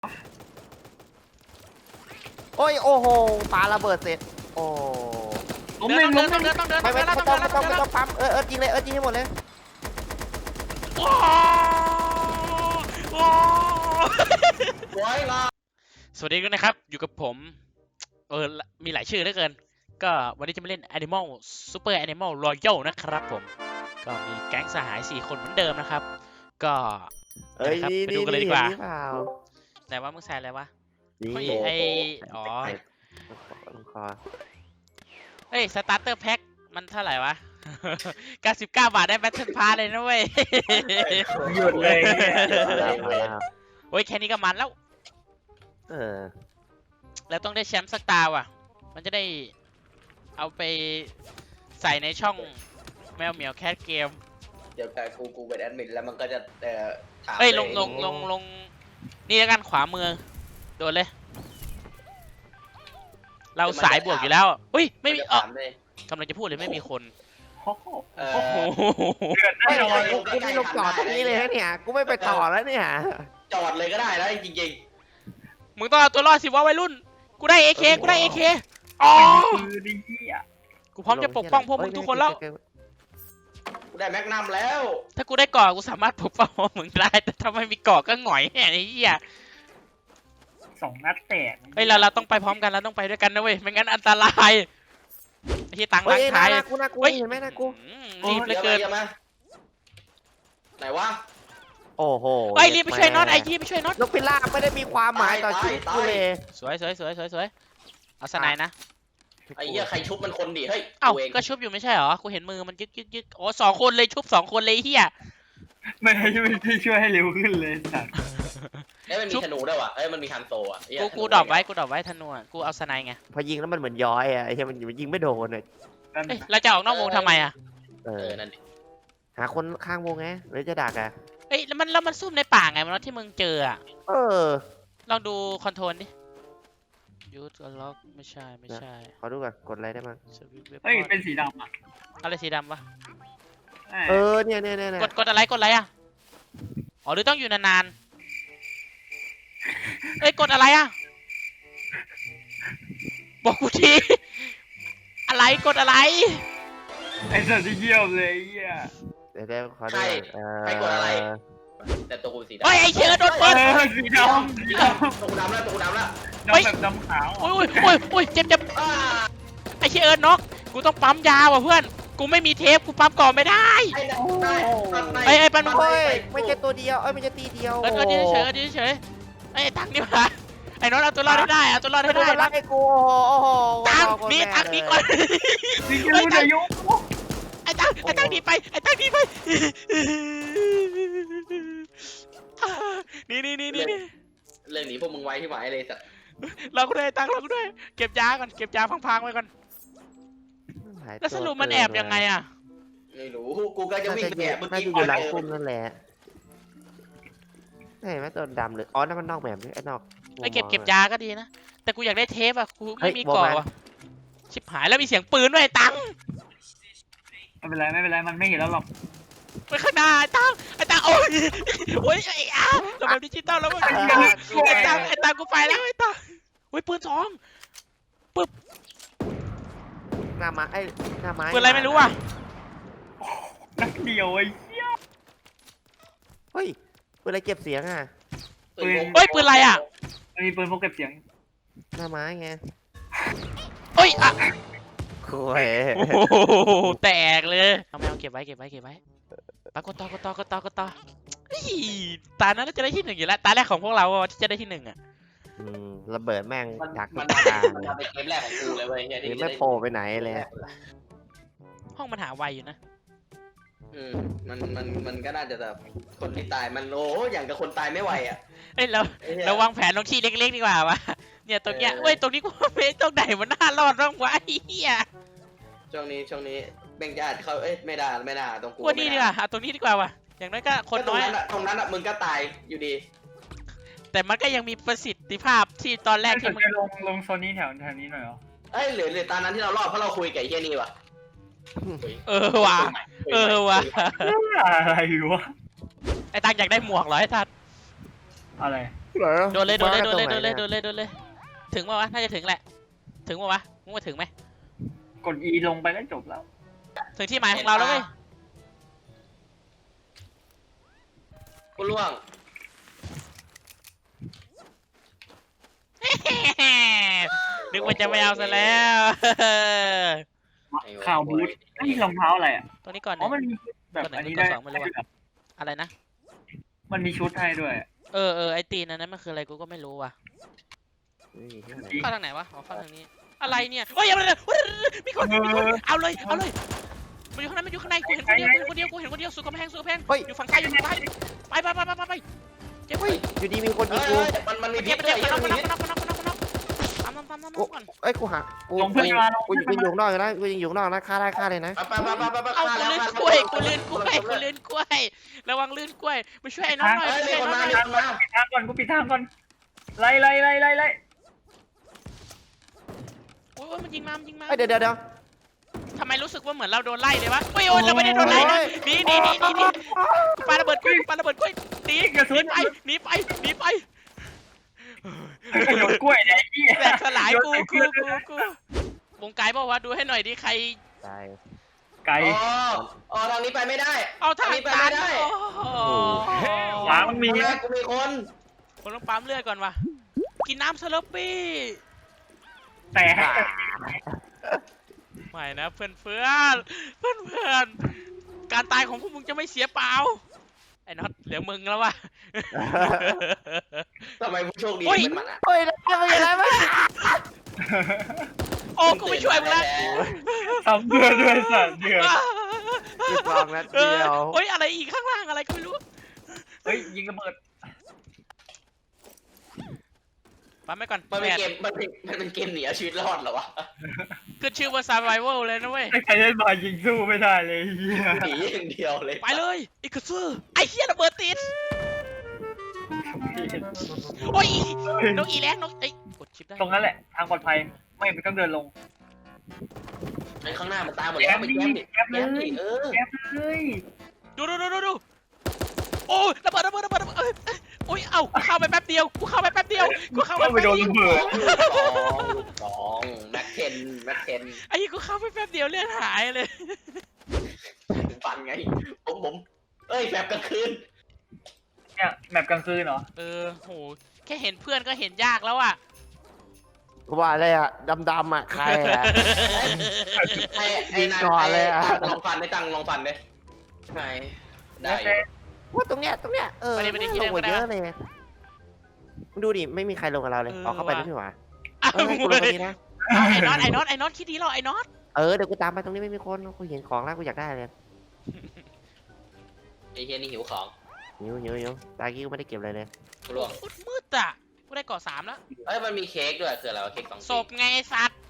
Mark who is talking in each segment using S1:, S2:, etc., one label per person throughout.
S1: โอ้ยโอ้โหปาระเบิดเสร็จโอ้
S2: ล้มหนึ่งล้มหนึ่ง
S3: ต้องเดิน
S1: ไม่ต้องปั๊มยิงเลยยิงให้หมดเลย
S3: สวัสดีกันนะครับอยู่กับผมมีหลายชื่อเหลือเกินก็วันนี้จะมาเล่น Animal Super Animal Royal นะครับผมก็มีแก๊งสหาย4คนเหมือนเดิมนะครับก็นะครับไปดูกันเลยดีกว่าไหนว่ามึงใส่อะไรวะไออ๋อเฮ้ยสตาร์เตอร์แพ็คมันเท่าไหร่วะ 99 บาทได้แบทเทิลพาร์เลยนะเว้ย
S2: หยุดเลย
S3: โอ้ยแค่นี้ก็มันแล้วแล้วต้องได้แชมป์สักตาว่ะมันจะได้เอาไปใส่ในช่องแมวเหมียวแคทเกม
S4: เดี๋ยวแต่กูเป็นแอดมินแล้วมันก็จะถาม
S3: เฮ้ยลงนี่แล้วกันขวามือโดนเลยเราสายบวกอยู่แล้วอุ้ยไม่มีกำลังจะพูดเลยไม่มีคนโอ้โห
S2: เดือดแน่นอน
S1: กูไม่ลงจอดตรงนี้เลยนะเนี่ยกูไม่ไปต่อแล้วเนี่ย
S4: จอดเลยก็ได้แล้วจริง
S3: มึงต้องเอาตัวรอดสิวะวัยรุ่นกูได้ AK อ๋อ
S2: คือดีอ่ะ
S3: กูพร้อมจะปกป้องพวกมึงทุกคนแล้ว
S4: ๆกูได้แม็กนัมแล้ว
S3: ถ้ากูได้เกาะกูสามารถปกป้องพวกมึงได้แต่ถ้าไม่มีเกาะก็หงอยแห่ไอ้เหี้ย
S2: 2 นัดแตก
S3: เฮ้ยเราต้องไปพร้อมกันเราต้องไปด้วยกันนะเว้ยไม่งั้นอันตรายไอ้ที่ตังล้างท้าย
S1: น่ากูเห็นไหมน่ากู
S3: รีบเหลือเกิน
S4: ไหนวะ
S1: โอ้โห
S3: เฮ้ยรีบไปช่วยน็อตไอ้ยี่ไปช่วยน็อต
S1: นกพิราบไม่ได้มีความหมายต่อชีวิตกูเลย
S3: สวยเอาสไนด์นะ
S4: ไอ้เหี้ยใครชุบมันคนดิเฮ้ย
S3: เอ้า
S4: กูเอง
S3: ก็ชุบอยู่ไม่ใช่เหรอกูเห็นมือมันยึกโอ้2 คนเลยชุบ2 คนเลยเฮีย
S2: ไม่ได้ช่วยให้เร็วขึ้นเลยสัตว์
S4: เอ้ยมันมีธนูด้วยวะเอ้ยมันมีฮันโซอ่ะ
S3: กูดรอปไว้ธนูกูเอาสไนด์ไง
S1: พอยิงแล้วมันเหมือนย้อยอ่ะไอ้เหี้ยมันยิงไม่โดนเลย
S3: เอ้ยเราจะออกนอกวงทำไมอ่ะ
S4: นั่นดิ
S1: หาคนข้างวงไงหรือจะดักอ่ะ
S3: เอ้ยแล้วมันซุ่มในป่าไงมันที่มึงเจออ่ะ ลองดูคอนโทรลดิยูทล็อกไม่ใช่
S1: ขอดูก่อนกดอะไรได้มั้ง
S2: เฮ้ยเป็นสีดำอ่ะ
S3: อะไรสีดำวะ
S1: เนี่ย
S3: กดอะไรอ่ะอ๋อหรือต้องอยู่นานๆเอ้ยกดอะไรอ่ะบอกกูทีอะไรกดอะไร
S2: ไอ้สัตว์ที่เยี่ยมเลยเหี้ย
S1: เดี๋ยวขอดู
S4: ใครกดอะไรแต่ตัวกูสีดำ
S3: เฮ้ยไอ้เชื้อโดนเปิด
S2: สีดำ
S4: ตัวกูดำแล้ว
S2: ดำแบบดำขาว
S3: โอ้ยเจ็บไอ้เชื้อน็อกกูต้องปั๊มยาว่ะเพื่อนกูไม่มีเทปกูปั๊มก่อนไม่ได้ ไอ้ปันมึง
S1: เฮ้ยไม่ใช่ตัวเดียวไม่ใช่ตีเดียว
S3: ดีเฉยไอ้ตังนี่มาไอ้น้องเอาตัวรอดให้ได้เอาตัวรอดให้ได้
S1: รักไอ้กูโอ้โห
S3: ตังนี่ก่อน
S2: สีเขียวอายุ
S3: ไอ้ตังหนีไปนี่
S4: เรื่องนี้พวกมึงไว้ที่หมายเลยสัตว์
S3: เราก็ได้ตังเราก็ด้วยเก็บยาก่อนเก็บยาพังๆไว้ก่อนแล้วสรุปมันแอบยังไงอ่ะ
S4: ไม่รู้กูก็จะวิ่งไปแอบเมื่อ
S1: น่า
S4: กี้
S1: จะอยู่หลังพุ่มนั่นแหละเห็นไหมตัวดำเลยอ๋อนั่นมันนอกแบบนี้ไอ้นอก
S3: ไอ้เก็บยาก็ดีนะแต่กูอยากได้เทปอ่ะกูไม่มีกรอบชิบหายแล้วมีเสียงปืนด้วยตัง
S2: ไม่เป็นไรมันไม่เห็นแล้วหรอก
S3: ไปข้างหน้าไอ้ตังโอ้ยไอ้เราแบบดิจิตอลแล้วมั้งไอ้ตังกูไปแล้วไอ้ตังโอ้ยปืน2ปึ๊บ
S1: หน้าไม้หน้าไม้
S3: ปืนอะไรไม่รู้อ่ะ
S2: นักเดียวไอ้เหี้ย
S1: เฮ้ยปืนอะไรเก็บเสียงอ่ะ
S3: เฮ้ยปืนอะไรอ่ะ
S2: มันมีปืนพกเก็บเสียง
S1: หน้าไม้ไง
S3: เฮ้ยอ่ะ
S1: โอ้ย
S3: โอ้โหแตกเลยเอาไม่เอาเก็บไว้ไปกดต่อตานั้นน่าจะได้ที่ 1อยู่แล้วตาแรกของพวกเราที่จะได้ที่1อ่ะ
S1: ระเบิดแม่ง
S4: มัน
S1: ดัก
S4: มัน
S1: ทุกทาง
S4: เป็นเกมแรกของกูเลยเว้ยเนี่ย
S1: ไม่โผล่ไปไหนเลย
S3: ห้องมันหาไวอยู่นะ
S4: มันก็น่าจะแบบคนที่ตายมันโอ้อย่างกับคนตายไม่ไหวอ่ะ
S3: เฮ้ยเราวางแผนลงที่เล็กๆดีกว่าวะเนี่ยตรงเนี้ยเว้ยตรงนี้กูไม่ตรงไหนมันน่ารอดบ้างวะไอ้เหี้ย
S4: ช่วงนี้เบ่งญาติเขาไม่ได้ตรงกู
S3: ว่านี่ดีกว่าตรงนี้ดีกว่าวะอย่างน้อยก็คนน้อย
S4: ตรงนั้นอ่ะมึงก็ตายอยู่ดี
S3: แต่มันก็ยังมีประสิทธิภาพที่ตอนแรกที่
S2: ที่
S3: มึ
S2: มึ
S3: ง
S2: งลงโซนนี้แถวนี้หน่อยเหรอ
S4: หรือตอนนั้นที่เรารอดเพราะเราคุยกับไอ้เฮียนี่วะ
S3: ว่ะ
S2: อะไรวะ
S3: ไอ้ตังอยากได้หมวกเหรอไอ้ทัด
S2: อะไร
S1: เหรอ
S3: โดนเลยโดนเลยโดนเลยโดนเลย
S1: มา
S3: โดนเลยโดนเลยถึงป่าวะน่าจะถึงแหละถึงป่าวะมึงว่าถึงไหม
S2: กด E ลงไปก็จบแล้ว
S3: ถึงที่หมายของเราแล้วเว้ย
S4: กูล่วง
S3: นึกว่าจะไม่เอาซะแล้ว
S2: ข่าวบูทไอ้รองเท้าอะไรอ่ะ
S3: ตัวนี้ก่อน
S2: อ๋อ
S3: เนี่ย
S2: มันมีแบบ
S3: ตัวไหน
S2: อันนี้
S3: ตัว
S2: ได้
S3: สองไม่รู้อะ อะไรนะ
S2: มันมีชุดให้ด้วย
S3: เออไอตีนอันนั้นมันคืออะไรกูก็ไม่รู้ว่ะ
S1: นี่ที่ไหน
S3: เข้าทางไหนวะอ๋อเข้าทางนี้อะไรเนี่ยเฮ้ยอย่ามาเลยมีคนเอาเลยมันอยู่ข้างในมันอยู่ข้างในกูเห็นคนเดียวกูเห็นคนเดียวสุดกำแพงอยู่ฝั่งซ้ายอยู่ฝั่งซ้ายไปเจ็บ
S1: เฮ้ยอยู่ดีมีคนยิ
S4: เฮ้
S1: ง
S4: ย
S1: กู
S4: มันมี
S3: เจ็
S4: พิ
S3: บ
S4: ษด้วย
S3: มา
S4: เย
S3: นั
S4: อะ
S3: บ
S4: มีพิษ
S3: ตามก่อน
S1: เอ้ยกูหากูยังอยู่ข้างนอกอยู่นะกูยังอยู่ข้างนอกนะฆ่าได้ฆ่าเลยนะ
S4: ไป
S3: เอา
S4: ฆ่า
S3: กู
S4: แล้ว
S3: ลื่น
S4: ฆ่าก
S3: ล้วยกูลื่นกล้วยระวังลื่นกล้วยมาช่วยไอ้น้องหน่อย
S4: เฮ้ย
S3: ช่วย
S4: มี
S3: ไอ้
S4: ค
S3: น้อน งห
S4: มา
S3: น่อย
S4: มีคนมา
S2: ปิดทางก่อนกูปิดทางก่อนไล่
S3: โอ้ยมันยิงมา
S1: เดี๋ยว
S3: ทำไมรู้สึกว่าเหมือนเราโดนไล่เลยวะโอ้ยเราไม่ได้โดนไล่นะหนีกูปาระเบิดกล้วยหนีไป
S2: โดนกล้วยเนี่ยไอ้เหี้ย
S3: แตกสลายกูวงไกลบอกว่าดูให้หน่อยดิใคร
S1: ตาย
S2: ไก่
S4: อ๋อทางนี้ไปไม่ได้
S3: เอาทาง
S4: นี้ไป
S3: ตั
S4: ไม่
S3: น
S4: ได้
S2: ขวามันมี
S4: แม่
S2: นะ
S4: กูมีคน
S3: ผมต้องปั๊มเลือดก่อนวะกินน้ำสลับปี้
S2: แต่
S3: ไม่นะเพื่อนการตายของพวกมึงจะไม่เสียเปล่าไอ้น็อตเหลือมึงแล้ววะ
S4: ทำไมผู้โชคดี
S3: โอ้ย
S4: เป็นมันอ่ะ
S1: เฮ้ยแล้วเป็นอะไรวะ
S3: โอ้กูไม่ช่วยมึงแล้ว
S2: ทำเพื่อด้วยสัตว์เดือด
S1: 12 นัดเดียว
S3: โอ้ยอะไรอีกข้างล่างอะไรก็ไม่รู้
S2: เฮ้ยยิงระเบิด
S3: ปั๊มไปก่อน
S4: มันเป็นเกมมันเป็นเกมหนีเอาชีวิตรอดเหรอวะ
S3: ขึ้นชื่อว่า survival เลยนะเว้ย
S2: ใครเล่นมายิงสู้ไม่ได้เลยไอ้เหี้ย
S4: หนีอย่างเดียวเลย
S3: ไปเลยอีกซื่อไอ้เหี้ยระเบิดติดโอ้ยนกอีแรงนกเอ้ยกดชิปได้
S2: ตรงนั้นแหละทางปลอดภัยไม่ต้องเดินลง
S4: ไอ้ข้างหน้ามันตายหมดแล้วมันแย้มดิ
S2: แย้มเลย
S4: แย้มดิ
S2: แอบเลย
S3: ดูโอ้ยระเบิดโอ้ยเอ้ากูเข้าไปแป๊บเดียวกูเข้าไปแป๊บเดียว
S2: เข้าไปโดนระเบิด
S4: สองแม็กเทน
S3: ไอ้กูเข้าไปแป๊บเดียวเลือดหายเลย
S4: ฟันไงผมเอ้ยแบบกลางคืน
S2: เนี่ยแมปกลางคืนเหรอ
S3: โหแค่เห็นเพื่อนก็เห็นยากแล้วอ่ะ
S1: กูว่าอะไรอ่ะดำๆอ่ะใครอ่ะ
S4: ไอ้นาย
S1: ก่อนเลยอะ
S4: ลองฟันได้ตังลองฟันได้ไหนได้
S1: ว่าตรงเนี้ยลงมาเยอะเลยมึงดูดิไม่มีใครลงกับเราเลยเอาเข้าไปด้วยพี่หว่า
S3: อ้าว
S1: ให้กูลงตรงนี้นะ
S3: ไอ้น็อตคิดดีหรอไอ้น็อต
S1: เดี๋ยวกูตามไปตรงนี้ไม่มีคนกูเห็นของแล้วกูอยากได้เลย
S4: ไอ้เฮียนี่หิวของ
S1: หิวตากี้กูไม่ได้เก็บอะไรเลย
S4: กูล่วง
S3: มืดอ่ะกูได้เกาะ3แล้ว
S4: เอ้ยมันมีเค้กด้วยคืออะไรวะเค้ก2
S3: ศพไงไอ้สัตว์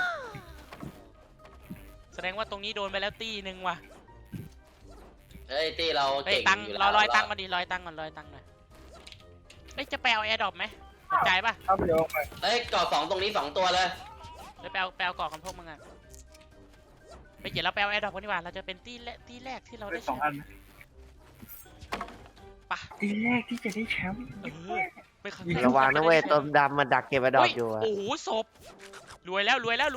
S3: แสดงว่าตรงนี้โดนไปแล้วตีหนึ่งว่ะ
S4: เอ้ยตีเรา
S3: เฮ้ย
S4: เก่ง
S3: ตังค์
S4: อยู่
S3: ร
S4: แล้
S3: อ
S4: ว
S3: ลอยตังค์มาดิลอยตังค์หน่อยเฮ้ยจะไปเอาแอร์ดรอปไหมสนใจป่ะ
S2: เข้าไปเดี๋ยวไป
S4: เอ้ยก่อ2ตรงนี้2ตัวเลย
S3: เดี๋ยวไปเอาเกาะกันพวกมึงอ่ะไปเดี๋ยวเราไปเอาแอร์ดรอปกันดีกว่าเราจะเป็นตีแรกที่เราได้
S2: ส
S3: แช
S2: อง
S3: ม
S2: อัน
S3: ป์ป่ะ
S2: ทีแรกที่จะได้แชมป์
S3: ไปครั้ง
S1: ระวังนะเว้ยต้มดำมันดักเก็บไอ้ดอกอยู่อะ
S3: โอ้โหศพรวยแล้วรวย
S2: ร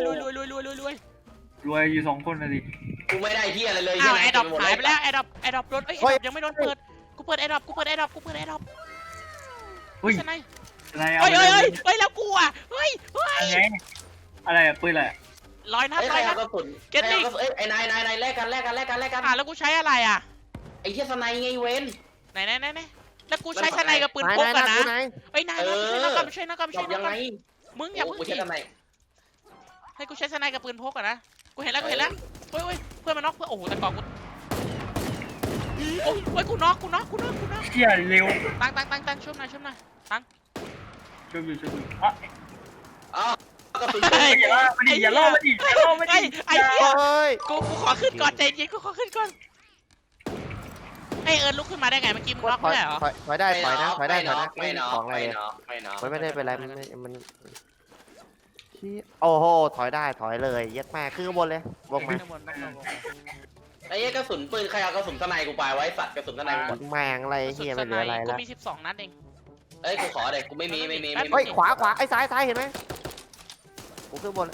S2: วยอยู่2คนนะดิ
S4: กูไม่ได้เฮียอะไรเลย
S3: อ้าว
S4: เหี้
S3: แอร์ดรอป
S4: เก็บ
S3: หายไป
S4: มด
S3: แล้วแอร์ดรอปโดนเอ้ยแอร์ดรอปยังไม่โดนเปิดกูเปิดแอร์ดรอป
S2: อุ้ย
S3: ใช่ไหม
S2: อะไรเอา
S3: เฮ้ยแล้วกูอ่ะเฮ้ย
S2: อะไรอะไรอะปืนอะไร
S3: ลอยนัด
S4: เอ้ย
S3: ล
S4: ใคร
S3: อยนั
S4: เอา
S3: ด
S4: กระสุน
S3: เก็ตติ้ง
S4: เอ้ยไอ้นายแลกกัน
S3: แล้วกูใช้อะไรอ่ะ
S4: ไอ้เฮียสไนไงเว้น
S3: ไหนแล้วกูใช้สไนกับปืนพกกันนะเอ้ยนายไม่ใช่นักก
S4: จบยังไง
S3: มึงอย่าเพิ่ง
S4: กูใช้
S3: ดิ
S4: สไน
S3: ให้กูใช้สไนกับปืนพกกันนะกูเห็นแล้วเฮ้ยเพื่อนมันน็อกเพื่อนโอ้โหแต่ก่อนกูโอ้ยกูน็อก
S2: เชี่ยเร็ว
S3: ตั้งช่วยหน่อย
S2: ช่วยอยู่อ่ะ
S4: อ๋อกระสุน
S2: อย่าล่อมาดิ
S3: ไอ้เหี้ย
S1: เฮ้ย
S3: กูขอขึ้นก่อนใจเย็นกูขอขึ้นก่อนไอเอิร์นลุกขึ้นมาได้ไงเมื่อกี้มึงน็อกไม่ได้เหรอ
S1: ถอยได้นะ
S4: ไม่น็อก
S1: ของอะไร
S4: ไม่น็อก
S1: มันไม่ได้เป็นไรมันโอ้โหถอยได้ถอยเลยยัดแม่ขึ้นข้างบนเลยวงมา
S4: ไอ้เหี้ยกระสุนปืนใครเอากระสุนสไนกูไปไว้สัตว์กระสุนสไนกูหมด
S1: แมงอะไรเฮียไม่เหลืออะไร
S3: กู
S1: แล้ว
S3: มี12 นัดเอง
S4: เอ้ยกูขอเลยกูไม่มี
S1: เฮ้ยขวาไอ้ซ้ายเห็นไหมกูขึ้นบน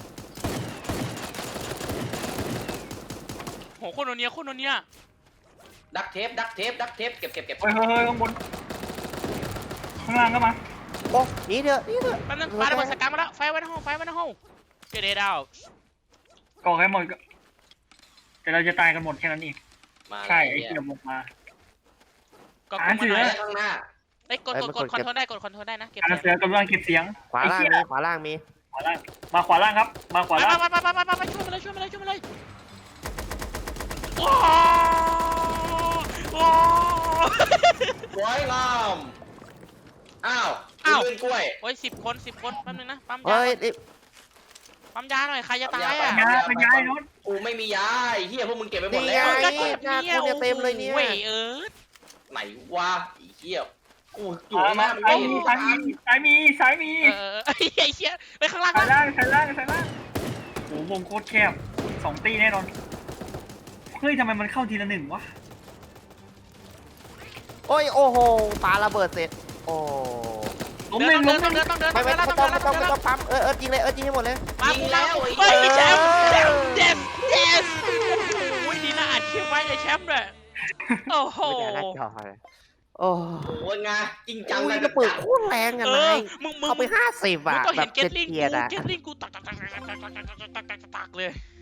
S3: โหโคตรโนเนีย
S4: ดักเทปเก็บ
S2: เฮ้ยข้างบนข้างล่างก็มา
S1: โอ้หนีเถอะ
S3: แป๊บนึงปาระเบิดสกัดมาแล้วไฟไว้ในห้องเกเรดาว
S2: ก่อให้หมดแต่เราจะตายกันหมดแค่นั้นเอง
S4: มา
S2: ใช่ไอ้เกี่ยวมา
S3: ก็
S2: อ่านเสือ
S4: ข้างหน้า
S3: ไอ้กดคอนโทรลได้นะเก็บ
S2: อา
S3: เสียง
S2: เสือกำลังเก็บเสียง
S1: ขวาล่างมี
S2: ขวาล่างมาขวาล่างครับมาขวาล่าง
S3: ไปช่วยมาเลยโอ้โห
S4: สวยงามอ้าวลื่นกล้วย
S3: โอ้ย10 คนแป๊บนึงนะปั๊ม
S1: เฮ้ย
S3: ยาหน่อยใครจะตายอ่ะ
S2: เป็นไงโน้ต
S4: กูไม่มียาไอ้เหี้ยพวกมึงเก็บไปหมด
S1: นี่
S4: แล้ว
S1: ไง
S3: ก็เก็บ
S1: หน้ากูเนี่ยเต็มเลยเนี่ย
S3: เว้ย
S4: ไหนวะไอ้เหี้ยกูอยู่ข้างหน้ามันไม่เห็น
S2: ซ้ายมี
S3: ไอ้เชี่ยไปข้างล่าง
S2: ซ้ายล่างโอ้วงโคตรแคบ2 ตีแน่นอนเฮ้ยทำไมมันเข้าทีละ1วะ
S1: โอ้ยโอ้โหปาระเบิดเสร็จโอ้
S2: ล้มหนึ่ง
S3: ต้องเดิน
S1: ไม่ต้องปั๊มจริงเลยยิงให้หมดเลย
S4: ยิงแล้วไอ้
S3: เฮ้ย
S4: เหี้ย
S3: แชมป์โอ้ยดีนะอัดคลิปไว้เลยแชมป์เลยโอ้โห
S1: ไม่ได้หน้าจอเลยโอ้
S4: โอ้ยงาจริงจัง
S1: ยกระปืนโคตรแรงอ่ะนาย
S3: มึง
S1: เอาไป50
S3: มึง
S1: อ่ะ
S3: ต้อง
S1: แบ
S3: เห็
S1: บ
S3: นเกตลิง
S1: เกียร์อ่ะ
S3: กูตักเลย